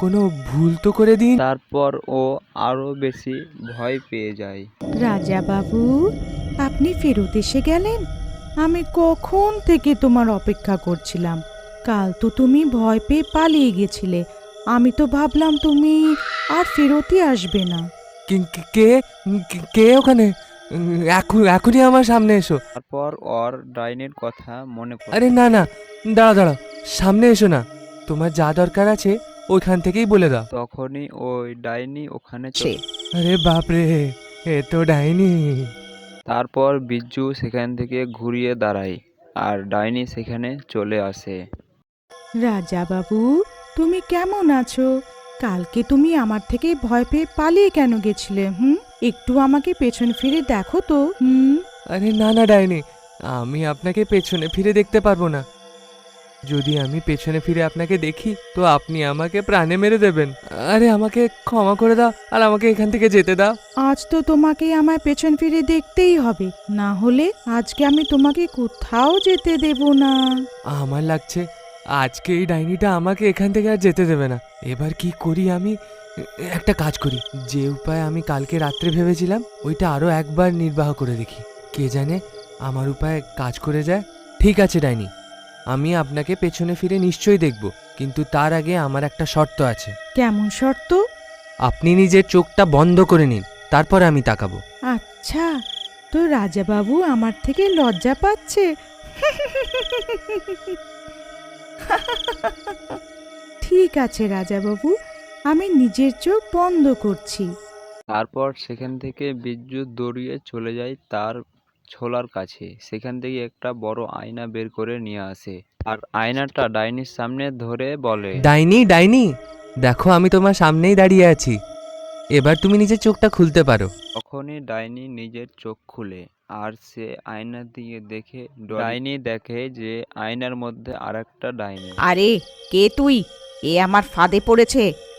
কোনো ভুল তো করে দিন। তারপর ও আরো বেশি ভয় পেয়ে যায়। রাজা বাবু, আপনি ফেরত এসে গেলেন। আমি কখন থেকে তোমার অপেক্ষা করছিলাম। কাল তো তুমি ভয় পেয়ে পালিয়ে গেছিলে। আমি তো ভাবলাম তুমি আর ফেরতই আসবে না। কে কে ওখানে? এখনই আমার সামনে এসো। তারপর ওর ডাইনির কথা মনে পড়ে। আরে না না, দাঁড়াও দাঁড়াও, সামনে এসো না। তোমার যা দরকার আছে ওইখান থেকেই বলে দাও। তখনই ওই ডাইনি ওখানে চলে। আরে বাপরে, এ তো ডাইনি। তারপর বিজ্জু সেখান থেকে ঘুরিয়ে দাঁড়ায় আর ডাইনি সেখানে চলে আসে। রাজা বাবু, তুমি কেমন আছো? কালকে তুমি আমার থেকে ভয় পেয়ে পালিয়ে কেন গেছিলে? একটু আমাকে পেছন ফিরে দেখো তো। আরে না না ডাইনি, আমি আপনাকে পেছনে ফিরে দেখতে পারবো না। যদি আমি পেছনে ফিরে আপনাকে দেখি তো আপনি আমাকে প্রাণে মেরে দেবেন। আরে আমাকে ক্ষমা করে দাও আর আমাকে এখান থেকে যেতে দাও। আজ তো তোমাকে আমায় পেছন ফিরে দেখতেই হবে, না হলে আজকে আমি তোমাকে কোথাও যেতে দেব না। আমার লাগছে আজকে এই ডাইনিটা আমাকে এখান থেকে আর যেতে দেবে না। এবার কি করি আমি? একটা কাজ করি, যে উপায় আমি কালকে রাত্রে ভেবেছিলাম ওইটা আরো একবার নির্বাহ করে দেখি। কে জানে আমার উপায় কাজ করে যায়। ঠিক আছে ডাইনি, আমি আপনাকে পেছনে ফিরে নিশ্চয়ই দেখব, কিন্তু তার আগে আমার একটা শর্ত আছে। কেমন শর্ত? আপনি নিজের চোখটা বন্ধ করে নিন, তারপর আমি তাকাবো। আচ্ছা, তো রাজা বাবু আমার থেকে লজ্জা পাচ্ছে। ঠিক আছে রাজা বাবু, আমি নিজের চোখ বন্ধ করছি। তারপর সেখান থেকে বিজ্জু দৌড়িয়ে চলে যায় তার ছোলার কাছে। সেখান থেকে একটা বড় আয়না বের করে নিয়ে আসে আর আয়নাটা ডাইনির সামনে ধরে বলে, ডাইনি ডাইনি, দেখো আমি তোমার সামনেই দাঁড়িয়ে আছি, এবার তুমি নিজের চোখটা খুলতে পারো। তখনই ডাইনি নিজের চোখ খুলে আর সে আয়না দিয়ে দেখে, ডাইনি দেখে যে আয়নার মধ্যে আরেকটা ডাইনি। আরে, কে তুই? এ আমার ফাঁদে পড়েছে।